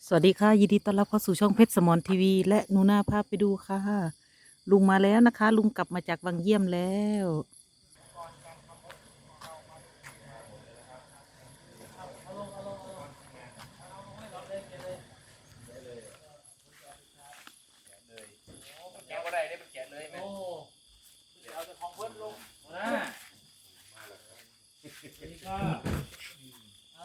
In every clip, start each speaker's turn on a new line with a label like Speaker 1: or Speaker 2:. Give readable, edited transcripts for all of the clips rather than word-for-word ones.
Speaker 1: สวัสดีค่ะยินดีต้อนรับเข้าสู่ช่องเพชรสมรทีวีและหนูนาพาไปดูค่ะลุงมาแล้วนะคะลุงกลับมาจากวังเยี่ยมแล้ว
Speaker 2: แกะก็ได้มันแกะเลยไหมโอ้เอาแต่ของเพิ่นลงนะนี่ก็เอา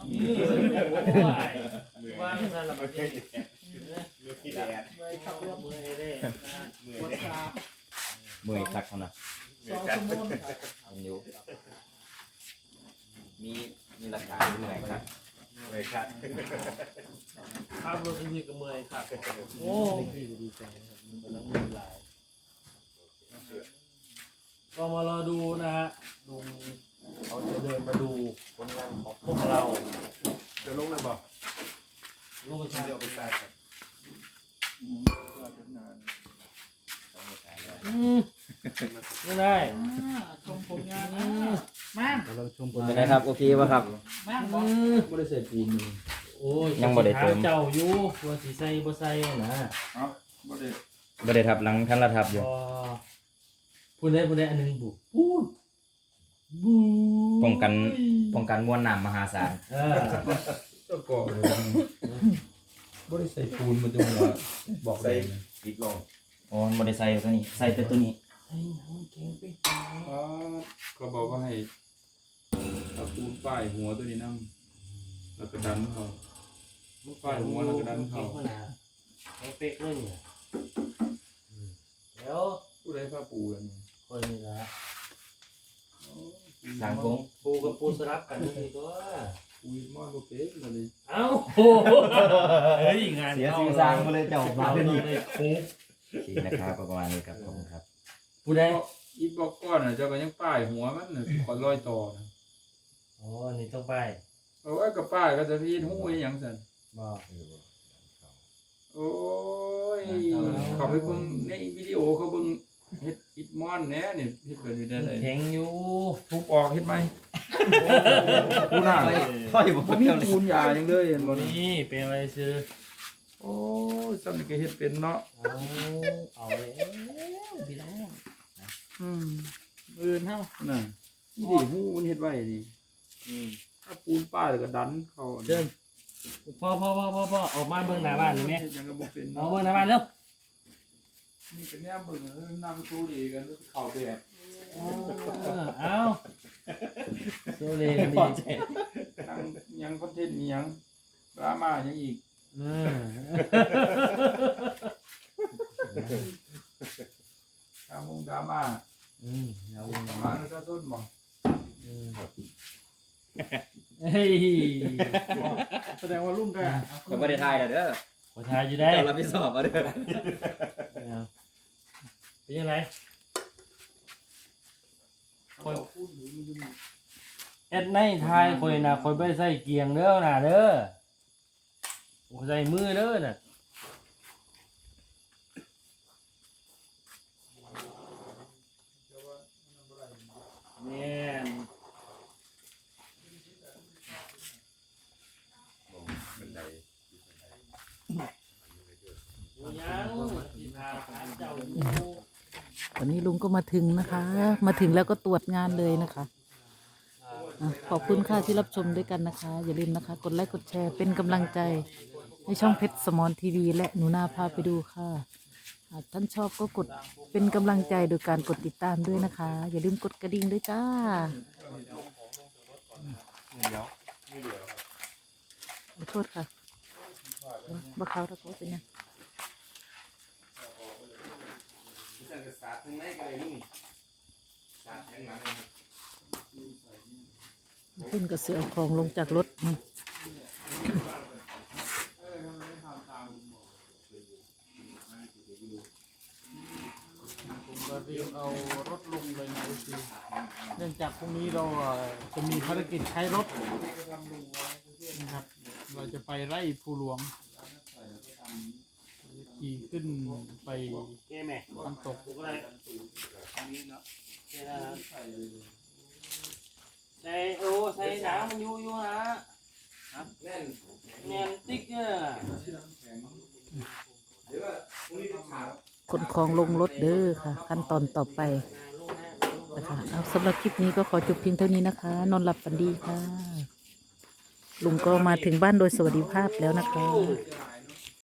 Speaker 2: มือว่างนั่นแหละมันมือที่แดดมือขับรถมือเร่มือ
Speaker 3: มือคักเขานะมันอยู่มีหลักฐานอยู่ไหนครับมือคัก
Speaker 2: ขับรถนี่ก็มือครับโอ้ดีใจครับมันกำลังมือลายก็มารอดูนะฮะลุงเขาจะเดินมาดูผลงานของพวกเราจะลงเลยบอกลงไปใช้เอาไปใส่ครับไม่ได้ชมผลงานนะมาเราชมผลงาน
Speaker 3: เป็นไงครับโอเคป่ะครับ
Speaker 2: มาไม่ได้ใส่ปูนโอ้ย
Speaker 3: ยังบ่ได้เติม
Speaker 2: เจ้าอยู่ตัวสีใส่บ่ใส่นะ
Speaker 3: บ่ได้ทับหลังท่านละทับอยู่
Speaker 2: พูดได้อันนึงบุบู
Speaker 3: ป้องกันมวลน้ำมหาศาล
Speaker 4: ก็ก่อบ่ได้ใส่ปูนมันจะมาบอกได้
Speaker 3: ปิดลงอ๋อบ่ได้ใส่ตัวนี้ใส่แต่ตัวนี้
Speaker 4: ก็บอกว่าให้เอาปูนป้ายหัวตัวนี้นั่งแล้วก็ดันเขาป้ายหัวแล้วก็ดันเขา
Speaker 2: เป๊กเลยเนี่ยเดี๋ยว
Speaker 4: ผู้ใดผ้าปูกัน
Speaker 2: คนนี้ละ
Speaker 3: หลังโค้ง
Speaker 2: ปูกับปูสลับกันนี่ตัว
Speaker 4: ปูมอนโอเคเลย
Speaker 2: เอ้าโอ้เฮ้ยงาน
Speaker 3: เสียสื่อสารมาเลยเจ้ามาเป็นอีกขี่นะครับประมาณนี้ครับขอบคุณครับ
Speaker 2: ผู้ใด
Speaker 4: อีบอกก้อนเจ้าก็ยังป้ายหัวมันขอร้อยต่อ
Speaker 2: อ๋อนี่ต้องไป
Speaker 4: เอาไว้กับป้ายก็จะพีนหูอย่างสัน
Speaker 2: บอก
Speaker 4: โอ้ยเขาไปเบิ่งในวิดีโอเขาเบิ่งเฮ็ดอิดมอนแน่นี่เฮ็ดแบบนี้ได้เลย
Speaker 2: แข็งอยู่
Speaker 4: ทุบออกเฮ็ดไหมปูหน้า
Speaker 3: ค่อยบอก
Speaker 4: มีปูนยาอย่างเลยเห็นบ่
Speaker 2: นี่เป็นอะไรซื้อ
Speaker 4: โอ้ยซ้ำนี่ก็เฮ็ดเป็นเนาะ
Speaker 2: เอาแล้วพี่น้อง
Speaker 4: อื่นเฮาน่ะนี่หูมันเฮ็ดไว้นี่ถ้าปูนป้าแล้วก็ดันเข้า
Speaker 2: เดินพ่อออกมาเบิ่งหน้าบ้านนี่แม่
Speaker 4: ยังก็บ่เป็น
Speaker 2: เอาเบิ่งหน้าบ้านเร็ว
Speaker 4: นี่เป็นแนวเบิ่งนำสู้ดีกันเข้าแบบ
Speaker 2: เอาโซเลดี
Speaker 4: ยังคอนเทนต์มียังดราม่ายังอีกดราม่า
Speaker 2: เอา
Speaker 4: ดราม่าก็ต้นบ่
Speaker 2: เฮ้ย
Speaker 4: แสดงว่าลุ่มแก
Speaker 3: ก็ไม่ได้ทายแล้วเด้อ
Speaker 2: ขอทายอยู่ได้
Speaker 3: เราไปสอบมาเด้อ
Speaker 2: เป็นยังไงเอ็ดในทายคอยนะคอยไปใส่เกียงเด้อน่ะเด้อใส่มือเด้อน่ะเนี่ย
Speaker 1: ตอนนี้ลุงก็มาถึงนะคะ มาถึงแล้วก็ตรวจงานเลยนะคะขอบคุณค่ะที่รับชมด้วยกันนะคะ อย่าลืมนะคะกดไลค์กดแชร์เป็นกำลังใจให้ช่องเพชรสมรทีวีและหนูนาพาไปดูค่ะหากท่านชอบก็กดเป็นกำลังใจโดยการกดติดตามด้วยนะคะอย่าลืมกดกระดิ่งด้วยจ้าขอโทษค่ะบ่เขาตะโกนเป็นยังขึ้นกระเสือของลงจากรถมัน
Speaker 2: เรียกเอารถลงเลยนะคือเนื่องจากพรุ่งนี้เราจะมีภารกิจใช้รถนะครับเราจะไปไร่ภูหลวงขี่ขึ้นไปน้ำตกใส่น้ำมันอยู่นะแนนติ๊กเนี่ย
Speaker 1: ขนของลงรถเด้อค่ะ ขั้นตอนต่อไปนะคะเอาสำหรับคลิปนี้ก็ขอจบเพียงเท่านี้นะคะ นอนหลับฝันดีค่ะ ลุงก็มาถึงบ้านโดยสวัสดิภาพแล้วนะคะ